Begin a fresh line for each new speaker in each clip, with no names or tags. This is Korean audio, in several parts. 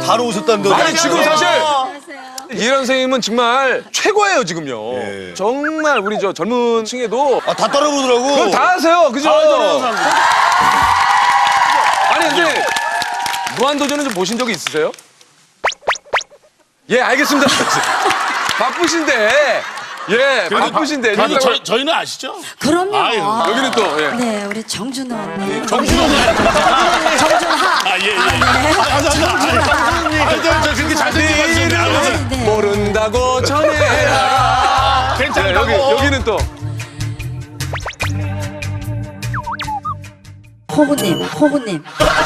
다뤄오셨다는데.
아니 지금 사실 이혜란 선생님은 정말 최고예요 지금요.
예.
정말 우리 저 젊은 층에도
아, 다 따라보더라고.
그건 다 하세요, 그죠? 아니 근데 무한도전은 좀 보신 적이 있으세요? 예, 알겠습니다. 바쁘신데. 예, 바쁘신데.
그래도 저희는 아시죠?
그럼요.
아유,
여기는 또 예.
네, 우리 정준호 언니.
정준호는
정준하.
아, 예, 예. 맞아. 저 그렇게 잘생긴 말씀.
네.
모른다고 전해라. 예,
괜찮다고.
여기는 또.
호구님.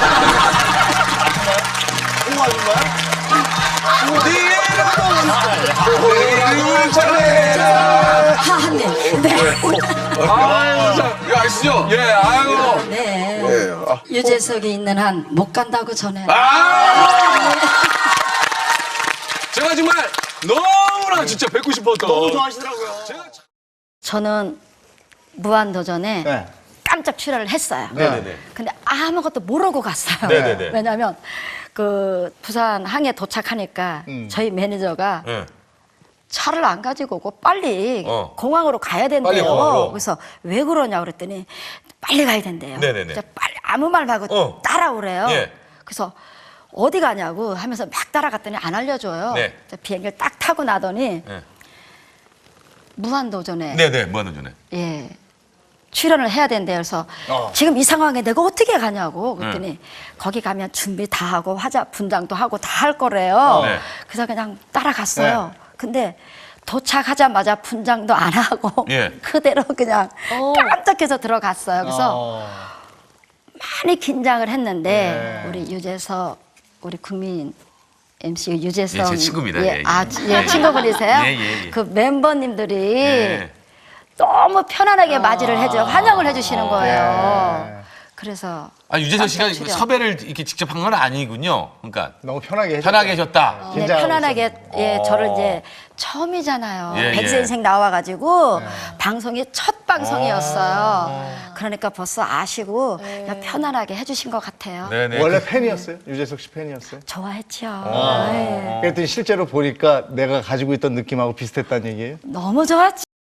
이름을 전해라.
하한님. 네.
아유, 참, 이거 아시죠? 예, 아유.
네. 유재석이 있는 한 못 간다고 전해.
제가 정말 너무나 진짜 뵙고 싶었던. 너무
좋아하시더라고요.
저는 무한도전에
네.
깜짝 출연을 했어요.
네네네.
근데 아무것도 모르고 갔어요.
네네네.
왜냐하면 그 부산 항에 도착하니까 저희 매니저가
예.
차를 안 가지고 오고 빨리
어.
공항으로 가야 된대요.
빨리 공항으로.
그래서 왜 그러냐 그랬더니 빨리 가야 된대요.
네네네.
그래서 빨리 아무 말 말고
어.
따라오래요.
예.
그래서 어디 가냐고 하면서 막 따라갔더니 안 알려줘요.
네.
그래서 비행기를 딱 타고 나더니
네.
무한도전에
네네, 무한도전에.
예. 출연을 해야 된대요. 그래서 지금 이 상황에 내가 어떻게 가냐고 그랬더니
네.
거기 가면 준비 다 하고 화자 분장도 하고 다 할 거래요.
네.
그래서 그냥 따라갔어요. 근데 도착하자마자 분장도 안 하고
예.
그대로 그냥 깜짝해서 들어갔어요. 그래서 많이 긴장을 했는데 우리 유재석 우리 국민 MC 유재석
예, 제 친구입니다.
예,
예, 예.
예, 친구분이세요?
예, 예, 예.
그 멤버님들이
예.
너무 편안하게 맞이를 해줘 환영을 해주시는 거예요. 그래서
아, 유재석 씨가
깜짝 출연.
섭외를 이렇게 직접 한 건 아니군요. 그러니까
너무 편하게
편하게 해줬다.
네,
긴장하고
편안하게 예, 저를 이제 처음이잖아요.
예,
백세
예.
인생 나와가지고 방송이 첫 방송이었어요. 그러니까 벌써 아시고 그냥 편안하게 해주신 것 같아요.
네네.
원래 팬이었어요? 유재석 씨 팬이었어요?
좋아했죠.
아.
네.
그랬더니 실제로 보니까 내가 가지고 있던 느낌하고 비슷했다는 얘기예요?
너무 좋았죠.